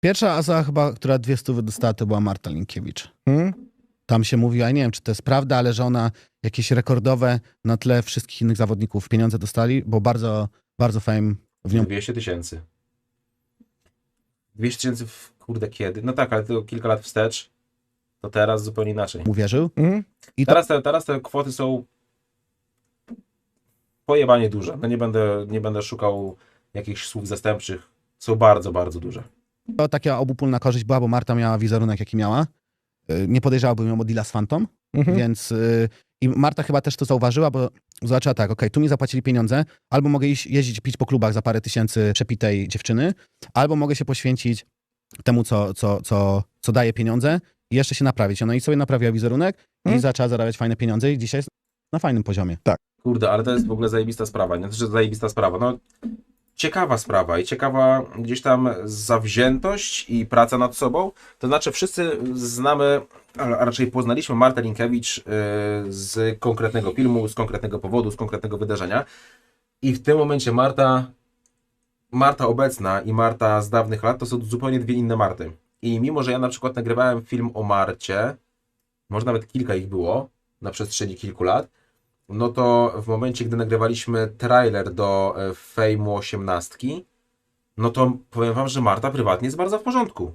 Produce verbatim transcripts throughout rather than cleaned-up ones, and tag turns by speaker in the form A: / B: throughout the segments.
A: Pierwsza osoba chyba, która dwie stówy dostała, to była Marta Linkiewicz.
B: Hmm?
A: Tam się mówi, ja nie wiem, czy to jest prawda, ale że ona jakieś rekordowe na tle wszystkich innych zawodników pieniądze dostali, bo bardzo, bardzo fame w nią...
C: dwieście tysięcy. dwieście tysięcy, w... kurde, kiedy? No tak, ale to kilka lat wstecz, to teraz zupełnie inaczej.
A: uwierzył.
B: Hmm?
A: I to...
C: Teraz te, teraz te kwoty są pojebanie duże. No nie będę, nie będę szukał jakichś słów zastępczych. Są bardzo, bardzo duże.
A: To taka obopólna korzyść była, bo Marta miała wizerunek, jaki miała. Y, Nie podejrzałabym ją o deala z Fantą,
B: Mhm.
A: więc... y, I Marta chyba też to zauważyła, bo zobaczyła tak, okej, tu mi zapłacili pieniądze, albo mogę iść jeździć, pić po klubach za parę tysięcy przepitej dziewczyny, albo mogę się poświęcić temu, co, co, co, co daje pieniądze i jeszcze się naprawić. Ona i sobie naprawiła wizerunek i
B: Mhm.
A: zaczęła zarabiać fajne pieniądze i dzisiaj jest na fajnym poziomie.
C: Kurde, ale to jest w ogóle zajebista sprawa. Nie to, że zajebista sprawa. No, ciekawa sprawa i ciekawa gdzieś tam zawziętość i praca nad sobą. To znaczy wszyscy znamy, a raczej poznaliśmy Martę Linkiewicz yy, z konkretnego filmu, z konkretnego powodu, z konkretnego wydarzenia. I w tym momencie Marta, Marta obecna i Marta z dawnych lat to są zupełnie dwie inne Marty. I mimo, że ja na przykład nagrywałem film o Marcie, może nawet kilka ich było na przestrzeni kilku lat, no to w momencie, gdy nagrywaliśmy trailer do e, Fejmu osiemnastki, no to powiem wam, że Marta prywatnie jest bardzo w porządku.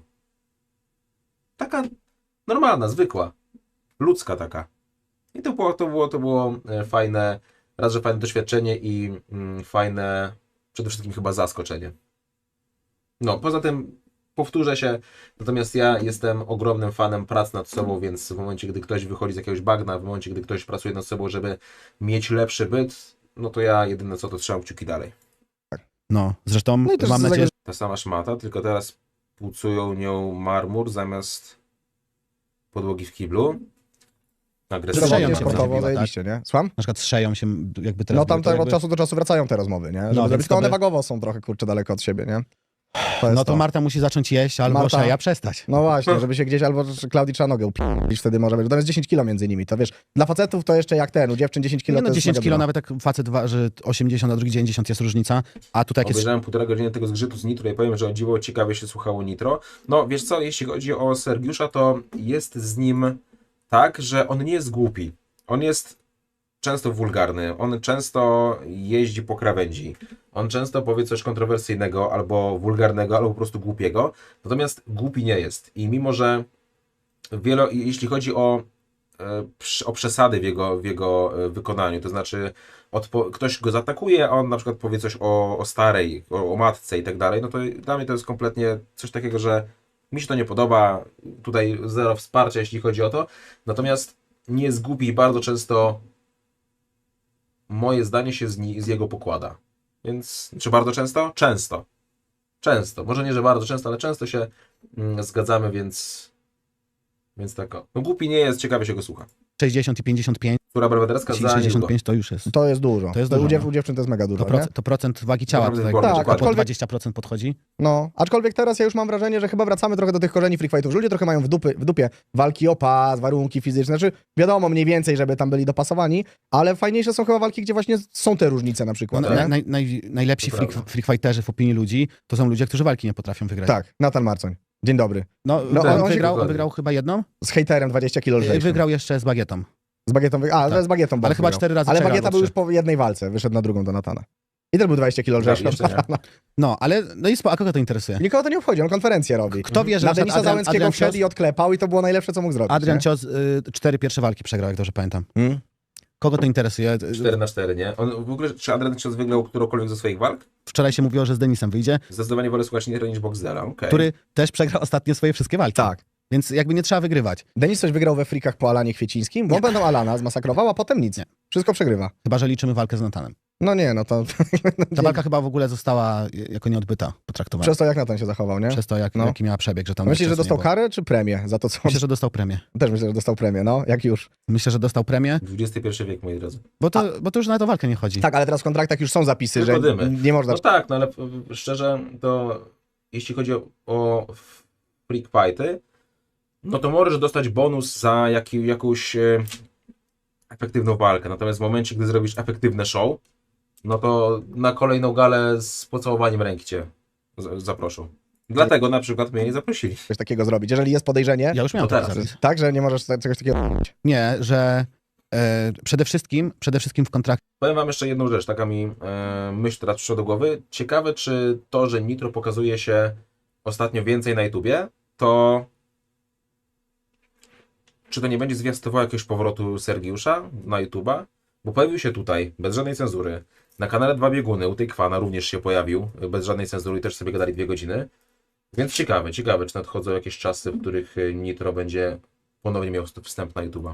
C: Taka normalna, zwykła, ludzka taka. I to było, to było, to było e, fajne, raz, że fajne doświadczenie i mm, fajne, przede wszystkim chyba zaskoczenie. No, poza tym powtórzę się, natomiast ja jestem ogromnym fanem prac nad sobą, więc w momencie, gdy ktoś wychodzi z jakiegoś bagna, w momencie, gdy ktoś pracuje nad sobą, żeby mieć lepszy byt, no to ja jedyne co, to trzymam kciuki dalej.
A: No, zresztą
B: No i też
A: mam
B: z
A: nadzieję,
C: Ta sama szmata, tylko teraz płucują nią marmur zamiast podłogi w kiblu. Agresywnie.
A: Strzeją
B: Zdrowotnie,
A: się
B: sportowo,
A: zrobiła, tak?
B: zajebiście, nie? Słucham?
A: na przykład strzeją się jakby teraz...
B: No tam
A: to
B: tak od
A: jakby...
B: czasu do czasu wracają te rozmowy, nie? Żeby
A: No,
B: no,
A: więc
B: tylko one
A: to by-
B: wagowo są trochę, kurczę, daleko od siebie, nie? To jest
A: No to Marta musi zacząć jeść, albo
B: Marta-
A: Szeja przestać.
B: No właśnie, żeby się gdzieś albo Klaudii trzeba nogę upić, wtedy może być. Tam jest dziesięć kilo między nimi, to wiesz, dla facetów to jeszcze jak ten, u dziewczyn dziesięć kilo
A: Nie no,
B: to jest
A: dziesięć
B: mega
A: kilo,
B: dużo.
A: nawet jak facet waży osiemdziesiąt, a drugi dziewięćdziesiąt jest różnica, a tutaj jak jest...
C: Obejrzałem półtora godziny tego zgrzytu z Nitro i powiem, że o dziwo ciekawie się słuchało Nitro. No wiesz co, jeśli chodzi o Sergiusza, to jest z nim tak, że on nie jest głupi. On jest często wulgarny, on często jeździ po krawędzi, on często powie coś kontrowersyjnego, albo wulgarnego, albo po prostu głupiego, natomiast głupi nie jest. I mimo, że wielo, jeśli chodzi o, e, przy- o przesady w jego, w jego e, wykonaniu, to znaczy odpo- ktoś go zaatakuje, a on na przykład powie coś o, o starej, o, o matce i tak dalej, no to dla mnie to jest kompletnie coś takiego, że mi się to nie podoba, tutaj zero wsparcia, jeśli chodzi o to, natomiast nie jest głupi i bardzo często moje zdanie się z, ni- z jego pokłada. Więc, czy bardzo często? Często. Często. Może nie, że bardzo często, ale często się mm, zgadzamy, więc więc tak o. No głupi nie jest, ciekawie się go słucha.
A: sześćdziesiąt i pięćdziesiąt pięć,
C: Która Belwederska za
A: sześćdziesiąt
C: niedługo.
A: pięć to już jest.
B: To jest dużo.
A: To jest
B: u,
A: dużo,
B: dziew-
A: no.
B: u dziewczyn to jest mega dużo,
A: To,
B: nie?
A: proc- to procent wagi ciała
C: Naprawdę
A: tutaj
C: wybornie,
B: Tak,
C: dokładnie.
A: po
B: aczkolwiek-
A: dwadzieścia procent podchodzi.
B: No, aczkolwiek teraz ja już mam wrażenie, że chyba wracamy trochę do tych korzeni free fightów, że ludzie trochę mają w, dupy, w dupie walki o pas, warunki fizyczne, znaczy wiadomo mniej więcej, żeby tam byli dopasowani, ale fajniejsze są chyba walki, gdzie właśnie są te różnice na
A: No,
B: przykład,
A: naj,
B: nie?
A: naj, naj, najlepsi
C: To
A: freak,
C: prawda.
A: freak fighterzy w opinii ludzi to są ludzie, którzy walki nie potrafią wygrać.
B: Tak, Natan Marcoń. Dzień dobry.
A: No,
B: No,
A: on,
B: on się-
A: wygrał, on
C: dokładnie.
A: wygrał chyba jedną,
B: Z hejterem dwadzieścia kilo lżejszym.
A: wygrał jeszcze z bagietą.
B: Z bagietą, wy... a,
A: Tak.
B: z bagietą
A: Ale
B: Bob
A: chyba
B: wygrał.
A: cztery razy
B: Ale
A: przegrał,
B: bagieta
A: albo
B: był już
A: trzy.
B: po jednej walce, wyszedł na drugą do Natana. I też był dwadzieścia kilo lżejszy
C: Prawie
B: od
C: jeszcze nie.
B: Natana.
A: No, ale no i spo, a kogo to interesuje?
B: Nikogo to nie obchodzi, on konferencję robi.
A: Kto wie, że
B: Na
A: na przykład
B: Denisa
A: Adrian,
B: Załęckiego
A: Adrian
B: wszedł
A: Cios,
B: i odklepał i to było najlepsze, co mógł zrobić.
A: Adrian
B: nie?
A: Cios y, cztery pierwsze walki przegrał, jak dobrze pamiętam.
B: Hmm?
A: Kogo to interesuje?
C: cztery na cztery, nie? On w ogóle, czy Adrian Cios wygrał którąkolwiek ze swoich walk?
A: Wczoraj się mówiło, że z Denisem wyjdzie,
C: Zdecydowanie wolę słuchać Nitro niż Boxdela, okej.
A: który też przegrał ostatnio swoje wszystkie walki.
B: Tak.
A: Więc jakby nie trzeba wygrywać.
B: Denis coś wygrał we frikach po Alanie Kwiecińskim, bo on będą Alana zmasakrował, a potem nic.
A: Nie.
B: Wszystko przegrywa.
A: Chyba, że liczymy walkę z Natanem.
B: No nie, no to...
A: Ta walka chyba w ogóle została jako nieodbyta potraktowana.
B: Przez to, jak Natan się zachował, nie?
A: Przez to, jak,
B: No.
A: jaki miała przebieg, że tam...
B: Myślisz, że
A: czasu nie
B: dostał
A: było.
B: karę czy premię za to, co...
A: Myślę, że dostał premię.
B: Też myślę, że dostał premię, no, jak już.
A: Myślę, że dostał premię,
C: dwudziesty pierwszy wiek, moi drodzy.
A: bo to, bo to już na tę walkę nie chodzi.
B: Tak, ale teraz w kontraktach już są zapisy,
C: Tylko
B: że
C: dymy.
B: nie można...
C: No tak, no ale y, szczerze, to jeśli chodzi o, o freak fighty, no to możesz dostać bonus za jaki, jakąś e, efektywną walkę. Natomiast w momencie, gdy zrobisz efektywne show, no to na kolejną galę z pocałowaniem ręki cię z- zaproszą. Dlatego na przykład mnie nie zaprosili.
B: coś takiego zrobić. Jeżeli jest podejrzenie,
A: Ja już miałem
C: To
A: taki
C: teraz.
A: zapis.
B: tak, że nie możesz czegoś takiego robić.
A: Nie, że e, przede wszystkim, przede wszystkim w kontrakcie
C: Powiem wam jeszcze jedną rzecz, taka mi e, myśl teraz przyszła do głowy. Ciekawe, czy to, że Nitro pokazuje się ostatnio więcej na YouTubie, to czy to nie będzie zwiastowało jakiegoś powrotu Sergiusza na YouTuba? Bo pojawił się tutaj, bez żadnej cenzury. Na kanale Dwa Bieguny, u tej Kwana również się pojawił, bez żadnej cenzury i też sobie gadali dwie godziny. Więc ciekawe, ciekawe, czy nadchodzą jakieś czasy, w których Nitro będzie ponownie miał wstęp na YouTuba.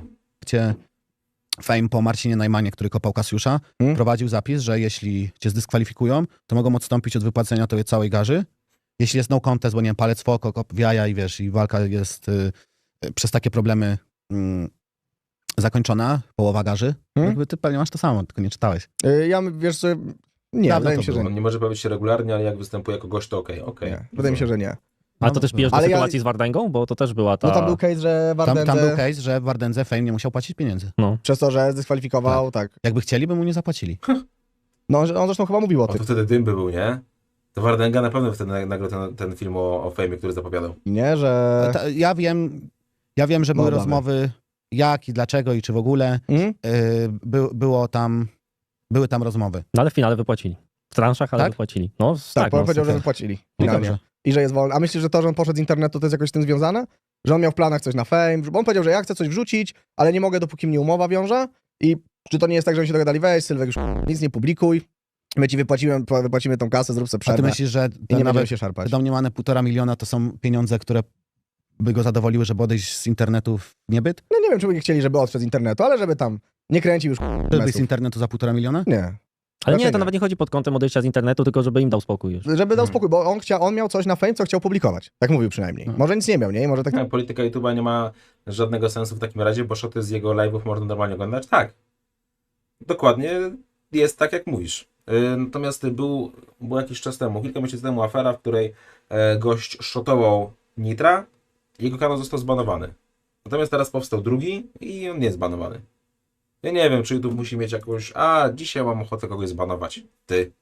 A: Fame po Marcinie Najmanie, który kopał Kasiusza,
B: Hmm?
A: prowadził zapis, że jeśli cię zdyskwalifikują, to mogą odstąpić od wypłacenia tobie całej garzy. Jeśli jest no contest, bo nie wiem, palec w oko, kop w jaja i wiesz, i walka jest y, y, przez takie problemy y, zakończona, połowa garzy,
B: Hmm?
A: jakby ty pewnie masz to samo, tylko nie czytałeś.
B: Y, Ja, wiesz, że nie,
A: Dawno
B: wydaje
A: to
B: mi się, że
A: było.
B: nie.
C: On nie może pojawić się regularnie, ale jak występuje jako gość, to okej, okej.
B: nie. Wydaje mi się, że nie.
D: A to też pijesz do
B: Ale ja-
D: sytuacji z Wardęgą? Bo to też była ta...
B: No tam był case, że
A: Tam,
B: Wardędze
A: tam był case, że w Wardędze Fame nie musiał płacić pieniędzy.
B: przez to, że zdyskwalifikował, tak.
A: Jakby chcieli, by mu nie zapłacili.
B: No on, on zresztą chyba mówił o
C: O,
B: tym,
C: to wtedy dym by był, nie? To Wardęga na pewno wtedy nagrał ten, ten film o, o Fejmie, który zapowiadał.
B: nie, że...
A: Ta, ja wiem, ja wiem, że były
B: No, damy.
A: rozmowy jak i dlaczego i czy w ogóle.
B: Mhm.
A: Y, by, było tam, były tam rozmowy.
D: No ale w finale wypłacili. W transzach, ale
A: Tak?
D: wypłacili. No
B: Tak,
D: tak, no,
B: powiedział, że
A: super.
B: wypłacili.
A: No
B: Finalnie.
A: dobrze.
B: I że jest wolny. A myślisz, że to, że on poszedł z internetu, to jest jakoś z tym związane? Że on miał w planach coś na Fame? Bo on powiedział, że ja chcę coś wrzucić, ale nie mogę, dopóki mnie umowa wiąże. I czy to nie jest tak, że oni się dogadali, weź Sylwek, już nic nie publikuj, my ci wypłacimy, wypłacimy tą kasę, zrób sobie
A: A ty
B: przerwę
A: myślisz, że
B: i nie
A: te
B: będziemy
A: nawet
B: się szarpać.
A: domniemane półtora miliona to są pieniądze, które by go zadowoliły, żeby odejść z internetu w niebyt?
B: No nie wiem, czy by nie chcieli, żeby odszedł z internetu, ale żeby tam nie kręcił już
A: Żeby z
B: mesów.
A: internetu za półtora miliona?
B: Nie.
D: Ale
B: Raczej
D: nie, to
B: nie.
D: nawet nie chodzi pod kątem odejścia z internetu, tylko żeby im dał spokój już.
B: Żeby dał
C: Mhm.
B: spokój, bo on, chciał, on miał coś na Fame, co chciał publikować. Tak mówił przynajmniej.
A: Mhm.
B: Może nic nie miał, nie? Może tak...
C: Tak, polityka YouTube'a nie ma żadnego sensu w takim razie, bo szoty z jego live'ów można normalnie oglądać. Tak. Dokładnie jest tak, jak mówisz. Yy, Natomiast był, był jakiś czas temu, kilka miesięcy temu afera, w której e, gość szotował Nitra i jego kanał został zbanowany. Natomiast teraz powstał drugi i on nie jest zbanowany. Ja nie wiem, czy YouTube musi mieć jakąś, a dzisiaj mam ochotę kogoś zbanować. Ty.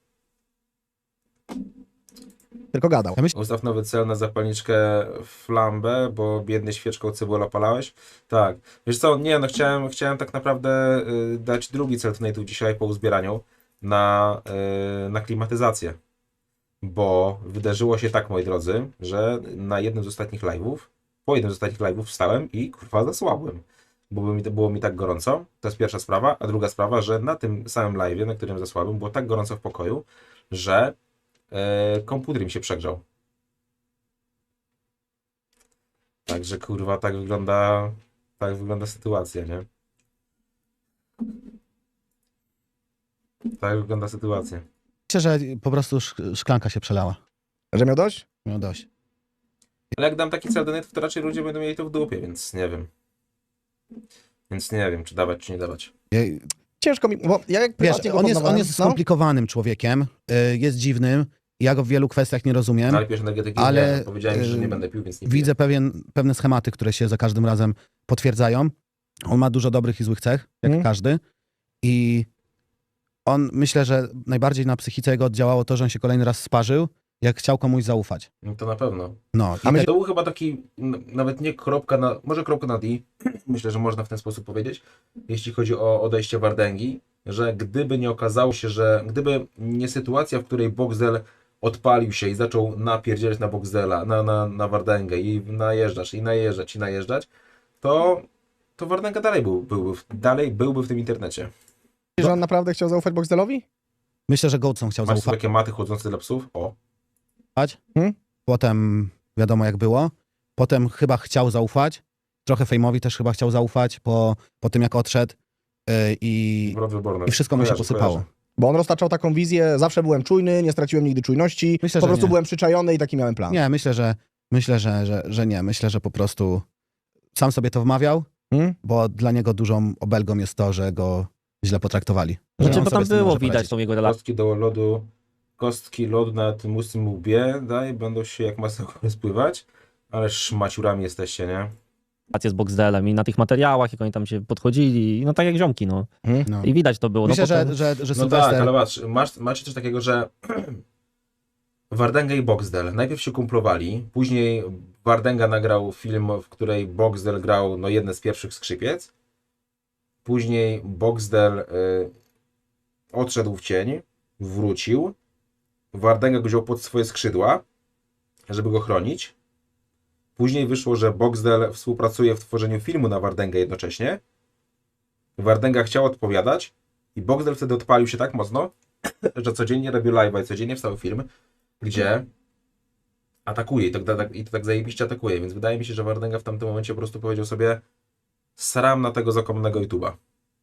B: Tylko gadał.
A: Ja myślę,
C: Ustaw nowy cel na zapalniczkę flambę, bo biedny świeczką cebulę opalałeś. Tak. Wiesz co, nie no, chciałem, chciałem tak naprawdę y, dać drugi cel donate'u dzisiaj po uzbieraniu na, y, na klimatyzację. Bo wydarzyło się tak, moi drodzy, że na jednym z ostatnich live'ów, po jednym z ostatnich live'ów wstałem i kurwa zasłabłem. Bo było mi, było mi tak gorąco. To jest pierwsza sprawa. A druga sprawa, że na tym samym live'ie, na którym zasłabłem, było tak gorąco w pokoju, że e, komputer mi się przegrzał. Także kurwa, tak wygląda, tak wygląda sytuacja, nie? Tak wygląda sytuacja.
A: że po prostu szk- szklanka się przelała.
B: Że miał dość?
A: Miał dość.
C: Ale jak dam taki cel donate, to raczej ludzie będą mieli to w dupie, więc nie wiem. Więc nie wiem, czy dawać, czy nie dawać.
A: Ja,
B: Ciężko mi, bo ja jak
A: wiesz,
B: prywatnie go
A: on jest, on
B: poznawałem,
A: jest
B: no,
A: skomplikowanym człowiekiem, y, jest dziwnym, ja go w wielu kwestiach nie rozumiem.
C: No, ale pijesz energetyki,
A: ale,
C: nie. Powiedziałem, że nie
A: yy,
C: będę pił, więc nie
A: Widzę pewien, pewne schematy, które się za każdym razem potwierdzają. On ma dużo dobrych i złych cech, jak
B: Mhm.
A: każdy. I on, myślę, że najbardziej na psychice jego oddziałało to, że on się kolejny raz sparzył, jak chciał komuś zaufać.
C: No to na pewno.
A: No, i
B: A my-
A: te,
C: To był chyba taki, n- nawet nie kropka na, może kropka na i, myślę, że można w ten sposób powiedzieć, jeśli chodzi o odejście Wardęgi, że gdyby nie okazało się, że gdyby nie sytuacja, w której Boxdel odpalił się i zaczął napierdzielać na Boxdela, na, na, na Wardęgę i najeżdżać, i najeżdżać, i najeżdżać, to, to Wardęga dalej, był, byłby, w- dalej byłby w tym internecie.
B: że on naprawdę chciał zaufać Boxdelowi?
A: myślę, że Goldson chciał
C: Masz tu
A: zaufać.
C: takie maty chodzące dla psów? O.
B: Hmm?
A: Potem wiadomo jak było. Potem chyba chciał zaufać. Trochę Fejmowi też chyba chciał zaufać po, po tym jak odszedł. Yy, i,
C: Wrot wyborny.
A: I wszystko mu się
C: Kojarzę,
A: posypało.
C: kojarzę.
B: Bo on roztaczał taką wizję, zawsze byłem czujny, nie straciłem nigdy czujności,
A: Myślę,
B: po
A: że
B: prostu
A: nie.
B: byłem przyczajony i taki miałem plan.
A: Nie, myślę, że myślę, że, że, że nie. Myślę, że po prostu sam sobie to wmawiał,
B: Hmm?
A: bo dla niego dużą obelgą jest to, że go źle potraktowali. Że
D: Znaczy,
A: on
D: bo
A: sobie
D: tam
A: z tym nie
D: było
A: może
D: widać
A: poradzić.
D: tą jego relację
C: Kostki do lodu, kostki lodu na tym ustym łbie, daj, będą się jak masło spływać, ale szmaciurami jesteście, nie?
D: z Boxdelem i na tych materiałach, jak oni tam się podchodzili, no tak jak ziomki, no.
A: No.
D: I widać to było.
A: Myślę,
D: no, potem...
A: że, że, że
C: No
A: Sylwester...
C: tak, ale patrz, masz, macie coś takiego, że Wardenga i Boxdel. Najpierw się kumplowali, później Wardenga nagrał film, w której Boxdel grał no, jedne z pierwszych skrzypiec. Później Boxdel y, odszedł w cień, wrócił. Wardenga go wziął pod swoje skrzydła, żeby go chronić. Później wyszło, że Boxdel współpracuje w tworzeniu filmu na Wardęgę jednocześnie. Wardenga chciał odpowiadać i Boxdel wtedy odpalił się tak mocno, że codziennie robił live'a i codziennie wstał film, gdzie atakuje i to, tak, i to tak zajebiście atakuje, więc wydaje mi się, że Wardenga w tamtym momencie po prostu powiedział sobie sram na tego zakomnego YouTube'a.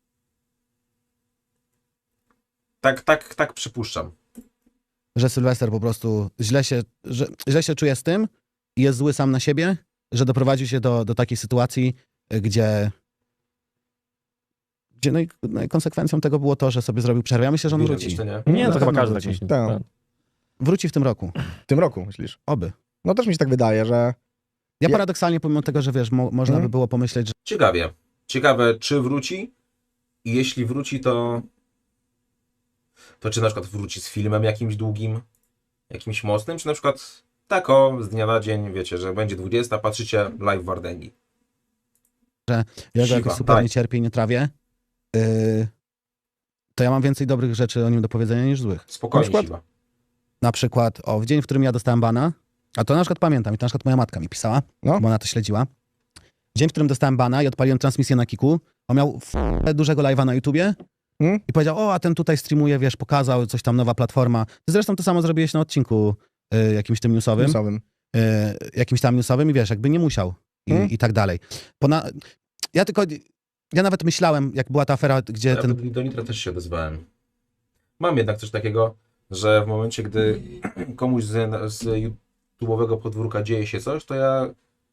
C: Tak, tak, tak przypuszczam.
A: Że Sylwester po prostu źle się, że, źle się czuje z tym i jest zły sam na siebie, że doprowadził się do, do takiej sytuacji, gdzie, gdzie no, i, no i konsekwencją tego było to, że sobie zrobił przerwę. Ja myślę, że on
C: Widać,
A: wróci.
C: to nie?
D: Nie,
B: Na
D: to chyba
B: pewno
D: każdy tak
B: wróci.
D: myśli.
B: Tak.
D: Tak.
A: Wróci w tym roku.
B: W tym roku, myślisz?
A: Oby.
B: No też mi się tak wydaje, że...
A: Ja
B: Ja-
A: paradoksalnie, pomimo tego, że wiesz, mo, można
B: Mhm.
A: by było pomyśleć, że
C: Ciekawie. Ciekawe, czy wróci i jeśli wróci, to to czy na przykład wróci z filmem jakimś długim, jakimś mocnym, czy na przykład tak o, z dnia na dzień, wiecie, że będzie dwudziesta, patrzycie live Wardęgi.
A: ja go
C: Siwa,
A: jakoś super
C: daj.
A: nie cierpię i nie trawię, yy, to ja mam więcej dobrych rzeczy o nim do powiedzenia niż złych.
C: Spokojnie,
B: Na przykład-
C: Siwa.
A: Na przykład, o, w dzień, w którym ja dostałem bana, a to na przykład pamiętam, i to na przykład moja matka mi pisała,
B: No.
A: bo ona to śledziła. Dzień, w którym dostałem bana i odpaliłem transmisję na Kiku, on miał f- dużego live'a na YouTubie
B: Hmm?
A: i powiedział, o, a ten tutaj streamuje, wiesz, pokazał, coś tam, nowa platforma. Ty zresztą to samo zrobiłeś na odcinku y, jakimś tym newsowym,
B: Newsowym.
A: y, jakimś tam newsowym i wiesz, jakby nie musiał i,
B: Hmm?
A: i tak dalej. Pona... Ja tylko, ja nawet myślałem, jak była ta afera, gdzie
C: Ja
A: ten...
C: do Nitra też się odezwałem. Mam jednak coś takiego, że w momencie, gdy komuś z, z YouTube'owego podwórka dzieje się coś, to ja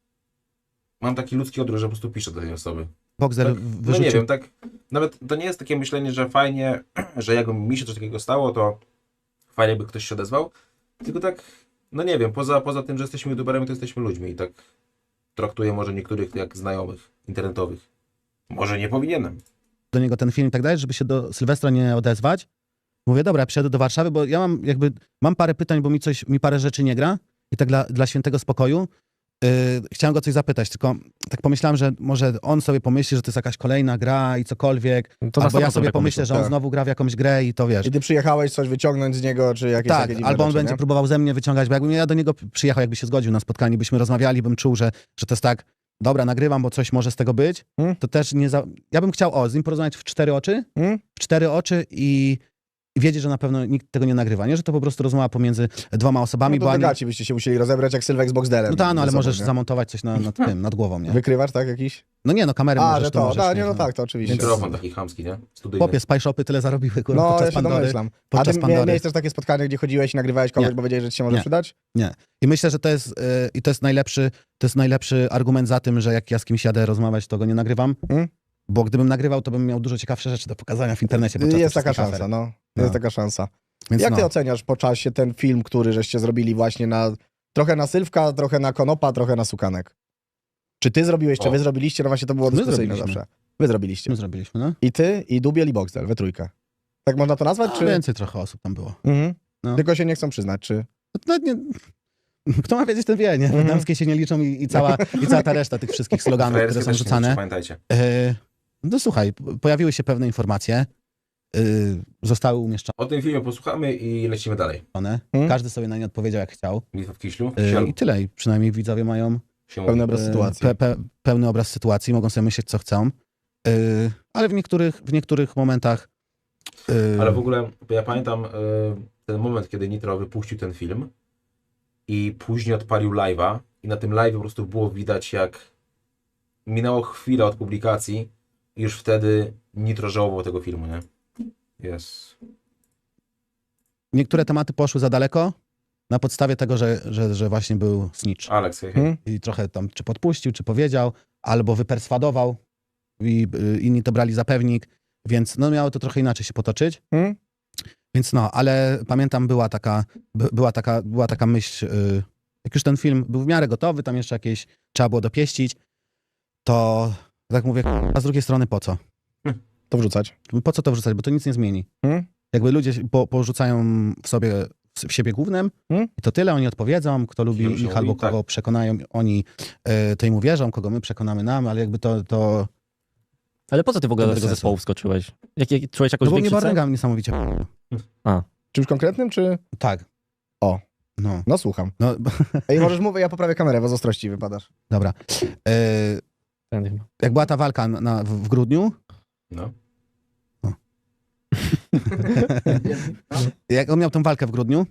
C: mam taki ludzki odruch, że po prostu piszę do tej osoby.
A: Boxer
C: Tak,
A: wyrzucił...
C: no nie wiem, tak nawet to nie jest takie myślenie, że fajnie, że jakby mi się coś takiego stało, to fajnie, jakby ktoś się odezwał, tylko tak, no nie wiem, poza, poza tym, że jesteśmy youtuberami, to jesteśmy ludźmi i tak traktuję może niektórych jak znajomych internetowych. Może nie powinienem.
A: do niego ten film i tak dalej, żeby się do Sylwestra nie odezwać. Mówię, dobra, ja przyjadę do Warszawy, bo ja mam jakby, mam parę pytań, bo mi coś, mi parę rzeczy nie gra i tak dla, dla świętego spokoju yy, chciałem go coś zapytać, tylko tak pomyślałem, że może on sobie pomyśli, że to jest jakaś kolejna gra i cokolwiek,
D: To na
A: albo ja
D: sto procent
A: sobie
D: tak
A: pomyślę,
D: pomyślą.
A: że on
B: Tak.
A: znowu gra w jakąś grę i to wiesz.
B: I ty przyjechałeś coś wyciągnąć z niego, czy jakieś
A: Tak,
B: takie dziwne
A: albo on
B: rzeczy,
A: będzie
B: nie?
A: próbował ze mnie wyciągać, bo jakbym ja do niego przyjechał, jakby się zgodził na spotkanie, byśmy rozmawiali, bym czuł, że, że to jest tak, dobra, nagrywam, bo coś może z tego być,
B: Hmm?
A: to też nie za... Ja bym chciał, o, z nim porozmawiać w cztery oczy,
B: Hmm?
A: w cztery oczy i, i wiedzieć, że na pewno nikt tego nie nagrywa, nie? Że to po prostu rozmowa pomiędzy dwoma osobami,
B: No to
A: bo
B: do
A: ani...
B: gaci byście się musieli rozebrać jak Sylwek z Boxdelem.
A: No tak, no ale
B: ze sobą,
A: możesz
B: nie?
A: zamontować coś na, nad tym, nad głową, nie?
B: Wykrywasz, tak, jakiś?
A: No nie, no kamerę
B: A,
A: możesz,
B: że
A: to
B: to,
A: możesz,
B: da, nie,
A: wiesz,
B: no tak, to oczywiście.
C: Mikrofon taki chamski, nie? Studyjny.
A: Chłopie, Spy Shopy tyle zarobili, kurwa,
B: No, ja
A: podczas
B: się
A: Pandory.
B: domyślam. A
A: podczas
B: ty mia-
A: Pandory.
B: miałeś też takie spotkanie, gdzie chodziłeś i nagrywałeś kogoś,
A: Nie.
B: bo wiedziałeś, że ci się może
A: Nie.
B: przydać?
A: I myślę, że to jest, yy, i to jest najlepszy, to jest najlepszy argument za tym, że jak ja z kimś jadę rozmawiać, to go nie nagrywam,
B: Hmm?
A: bo gdybym nagrywał, to bym miał dużo ciekawsze rzeczy do pokazania w internecie. podczas
B: Jest
A: tych
B: taka
A: wszystkich
B: szansa,
A: afer.
B: no.
A: No.
B: Jest taka szansa.
A: Więc
B: Jak
A: no.
B: ty oceniasz po czasie ten film, który żeście zrobili właśnie na... Trochę na Sylwka, trochę na Konopa, trochę na Sukanek? Czy ty zrobiłeś, czy
C: O.
B: wy zrobiliście? No właśnie to było
A: My
B: dyskusyjne
A: zrobiliśmy.
B: zawsze. Wy zrobiliście.
A: My zrobiliśmy, no?
B: I ty, i Dubiel, i Boxdel, we trójkę. Tak można to nazwać,
A: A
B: czy...
A: więcej trochę osób tam było.
B: Mhm.
A: No.
B: Tylko się nie chcą przyznać, czy...
A: No, nie... Kto ma wiedzieć, ten wie, nie?
B: Mhm.
A: Damskie się nie liczą i, i, cała, i cała ta reszta tych wszystkich sloganów, które
C: Frajerskie
A: są
C: też się
A: rzucane.
C: liczy, pamiętajcie.
A: E, no słuchaj, p- pojawiły się pewne informacje, e, zostały umieszczone,
C: O tym filmie posłuchamy i lecimy dalej.
B: Mhm.
A: każdy sobie na nie odpowiedział jak chciał
C: Bitwa w Kiślu.
A: e,
C: Sielu.
A: i tyle. I przynajmniej widzowie mają
C: Się
B: Pełny
C: mówi.
B: obraz
A: e,
B: sytuacji.
A: Pe, pe, pełny obraz sytuacji, mogą sobie myśleć co chcą, e, ale w niektórych, w niektórych momentach e,
C: Ale w ogóle ja pamiętam y, ten moment, kiedy Nitro wypuścił ten film i później odpalił live'a i na tym live po prostu było widać, jak minęło chwilę od publikacji i już wtedy Nitro żałował tego filmu, nie? Jest.
A: niektóre tematy poszły za daleko na podstawie tego, że, że, że właśnie był snitch.
C: Alex, hej, hej.
B: Hmm?
A: I trochę tam czy podpuścił, czy powiedział, albo wyperswadował i y, inni to brali za pewnik, więc no miało to trochę inaczej się potoczyć.
B: Hmm?
A: Więc no, ale pamiętam była taka, by, była taka, była taka myśl, y, jak już ten film był w miarę gotowy, tam jeszcze jakieś trzeba było dopieścić, to tak mówię, a z drugiej strony po co?
B: To wrzucać.
A: Po co to wrzucać, bo to nic nie zmieni.
B: Hmm?
A: Jakby ludzie po, porzucają w sobie w siebie głównym
B: Hmm?
A: i to tyle, oni odpowiedzą, kto lubi
C: Film się
A: ich albo
C: mówi, tak.
A: kogo przekonają, oni y, to im uwierzą, kogo my przekonamy nam, ale jakby to, to
D: Ale po co ty w ogóle
A: To
D: do
A: bez
D: tego
A: sensu.
D: zespołu wskoczyłeś? Jak, jak, czułeś jakąś
A: no bo mnie
D: większy cel?
A: Barnega niesamowicie.
B: Czymś konkretnym, czy...
A: Tak.
B: O.
A: No,
B: No słucham.
A: no
B: Ej, możesz mówić, ja poprawię kamerę, bo z ostrości wypadasz.
A: dobra. Y,
D: Ten-
A: jak była ta walka na, na, w, w grudniu,
C: No.
A: jak on miał tą walkę w grudniu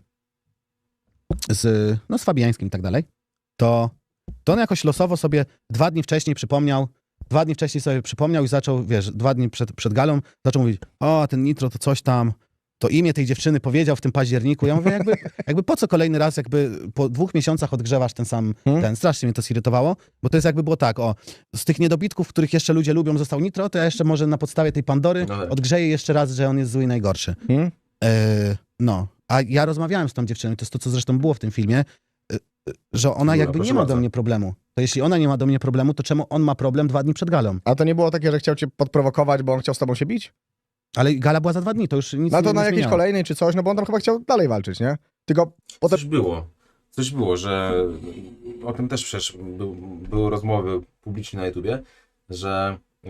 A: z, no, z Fabiańskim i tak dalej, to, to on jakoś losowo sobie dwa dni wcześniej przypomniał, dwa dni wcześniej sobie przypomniał i zaczął, wiesz, dwa dni przed, przed galą, zaczął mówić, o, ten Nitro to coś tam, to imię tej dziewczyny powiedział w tym październiku. Ja mówię, jakby, jakby po co kolejny raz, jakby po dwóch miesiącach odgrzewasz ten sam,
B: Hmm?
A: ten, strasznie mnie to zirytowało, bo to jest jakby było tak, o, z tych niedobitków, których jeszcze ludzie lubią, został Nitro, to ja jeszcze może na podstawie tej Pandory
C: No tak.
A: odgrzeję jeszcze raz, że on jest zły i najgorszy.
B: Hmm?
A: E, no, a ja rozmawiałem z tą dziewczyną, to jest to, co zresztą było w tym filmie, e, e, że ona
C: Dobra,
A: jakby
C: proszę
A: nie ma
C: bardzo.
A: do mnie problemu. To jeśli ona nie ma do mnie problemu, to czemu on ma problem dwa dni przed galą?
B: A to nie było takie, że chciał cię podprowokować, bo on chciał z tobą się bić?
A: Ale gala była za dwa dni, to już nic
B: No
A: nie,
B: to
A: nie
B: na jakiejś
A: zmieniało.
B: kolejnej czy coś, no bo on tam chyba chciał dalej walczyć, nie? Tylko potem...
C: Coś było. Coś było, że o tym też przecież był, były rozmowy publiczne na YouTubie, że y,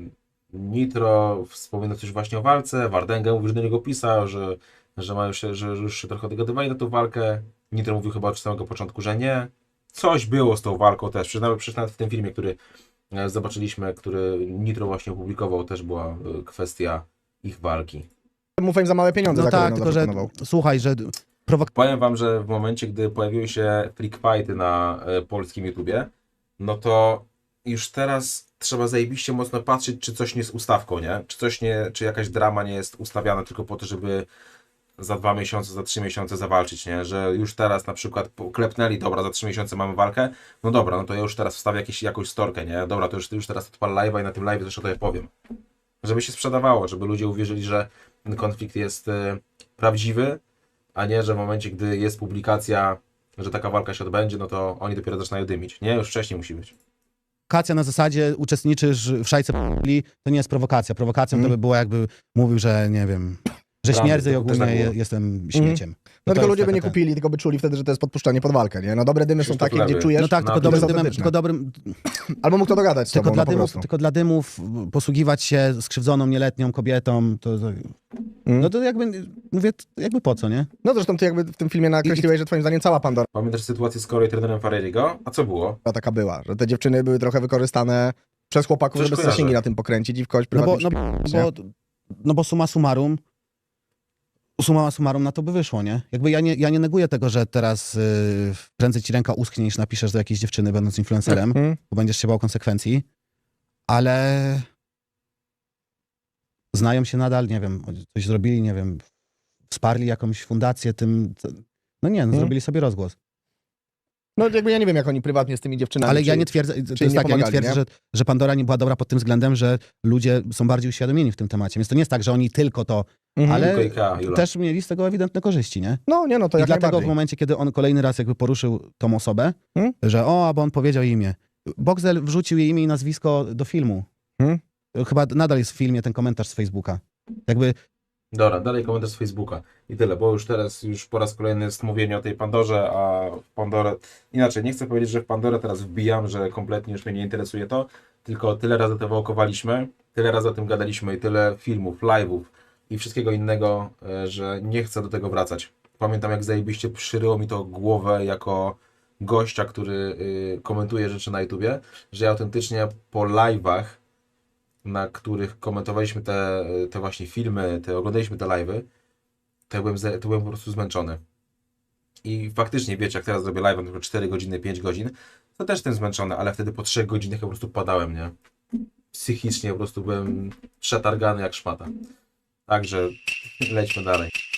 C: Nitro wspominał coś właśnie o walce, Wardęga mówił, że do niego pisał, że, że, mają się, że już się trochę dogadywali na tą walkę. Nitro mówił chyba od samego początku, że nie. Coś było z tą walką też. Przecież nawet, przecież nawet w tym filmie, który e, zobaczyliśmy, który Nitro właśnie opublikował, też była e, kwestia ich walki.
B: Mów im za małe pieniądze,
A: No
B: za które
A: tak,
B: on
A: tylko że
B: zaproponował.
A: słuchaj, że prowok-
C: Powiem wam, że w momencie, gdy pojawiły się freak fighty na e, polskim YouTubie, no to już teraz trzeba zajebiście mocno patrzeć, czy coś nie jest ustawką, nie? Czy coś nie, czy jakaś drama nie jest ustawiana tylko po to, żeby za dwa miesiące, za trzy miesiące zawalczyć, nie? Że już teraz na przykład klepnęli, dobra, za trzy miesiące mamy walkę, no dobra, no to ja już teraz wstawię jakieś, jakąś storkę, nie? Dobra, to już, już teraz odpal live'a i na tym live też o to ja powiem. Żeby się sprzedawało, żeby ludzie uwierzyli, że ten konflikt jest e, prawdziwy, a nie, że w momencie, gdy jest publikacja, że taka walka się odbędzie, no to oni dopiero zaczynają dymić. Nie, już wcześniej musi być.
A: prowokacja na zasadzie uczestniczysz w szajce p***li, to nie jest prowokacja. Prowokacją
B: Mm.
A: to by było jakby mówił, że nie wiem, że
C: Prawda,
A: śmierdzę i
C: to też
A: ogólnie
C: tak było.
A: je, jestem śmieciem.
B: No
A: to
B: tylko
A: jest
B: ludzie by
A: taka
B: nie
A: ten-
B: kupili, tylko by czuli wtedy, że to jest podpuszczanie pod walkę, nie? No dobre dymy są
C: Krzysztof
B: takie, gdzie
C: Lewy.
B: czujesz,
A: No tak,
C: No,
A: tylko
C: to
A: dobrym
B: jest
A: dymem,
B: autentyczne.
A: tylko dobrym,
B: albo mógł to dogadać z
A: tylko
B: tobą,
A: dla
B: no po
A: dymów,
B: prostu.
A: tylko dla dymów posługiwać się skrzywdzoną, nieletnią kobietą, to, to
B: Mm.
A: no to jakby, mówię, jakby po co, nie?
B: No zresztą ty jakby w tym filmie nakreśliłeś, że twoim zdaniem cała Pandora
C: Pamiętasz sytuację z Corey trenerem Ferreriego? A co było?
B: taka była, że te dziewczyny były trochę wykorzystane przez chłopaków,
C: Coś
B: żeby
C: kojarzę.
B: zasięgi na tym pokręcić i w kogoś
A: No bo,
B: prywatnie
A: no,
B: przypiąć, nie?
A: bo, no bo summa summarum, summa summarum na to by wyszło, nie? Jakby ja nie, ja nie neguję tego, że teraz yy, prędzej ci ręka uschnie, niż napiszesz do jakiejś dziewczyny, będąc influencerem,
B: Mhm.
A: bo będziesz się bał konsekwencji, ale znają się nadal, nie wiem, coś zrobili, nie wiem, wsparli jakąś fundację tym, co- no nie, no,
B: Mhm.
A: zrobili sobie rozgłos.
B: No jakby ja nie wiem, jak oni prywatnie z tymi dziewczynami...
A: Ale ja
B: czy-
A: nie twierdzę, to
B: im
A: jest
B: nie
A: tak, ja nie
B: pomagali,
A: twierdzę,
B: nie?
A: Że, że Pandora nie była dobra pod tym względem, że ludzie są bardziej uświadomieni w tym temacie, więc to nie jest tak, że oni tylko to,
B: Mhm.
A: ale
C: Tylko Ikea, Jula.
A: też mieli z tego ewidentne korzyści, nie?
B: No nie, no to
A: I
B: jak
A: dlatego w
B: najbardziej.
A: momencie, kiedy on kolejny raz jakby poruszył tą osobę,
B: Hmm?
A: że o, bo on powiedział jej imię. Boxel wrzucił jej imię i nazwisko do filmu.
B: Hmm?
A: Chyba nadal jest w filmie ten komentarz z Facebooka. Jakby,
C: Dobra, dalej komentarz z Facebooka. I tyle, bo już teraz, już po raz kolejny jest mówienie o tej Pandorze, a w Pandorę... Inaczej, nie chcę powiedzieć, że w Pandorę teraz wbijam, że kompletnie już mnie nie interesuje to, tylko tyle razy to wałkowaliśmy, tyle razy o tym gadaliśmy i tyle filmów, live'ów i wszystkiego innego, e, że nie chcę do tego wracać. Pamiętam, jak zajebiście przyryło mi to głowę jako gościa, który y, komentuje rzeczy na YouTubie, że ja autentycznie po live'ach, na których komentowaliśmy te, te właśnie filmy, te, oglądaliśmy te live'y, to ja byłem, ze- to byłem po prostu zmęczony. I faktycznie, wiecie, jak teraz zrobię live'a na przykład cztery godziny, pięć godzin, to też jestem zmęczony, ale wtedy po trzech godzinach ja po prostu padałem, nie? Psychicznie po prostu byłem przetargany jak szmata. Także lećmy dalej.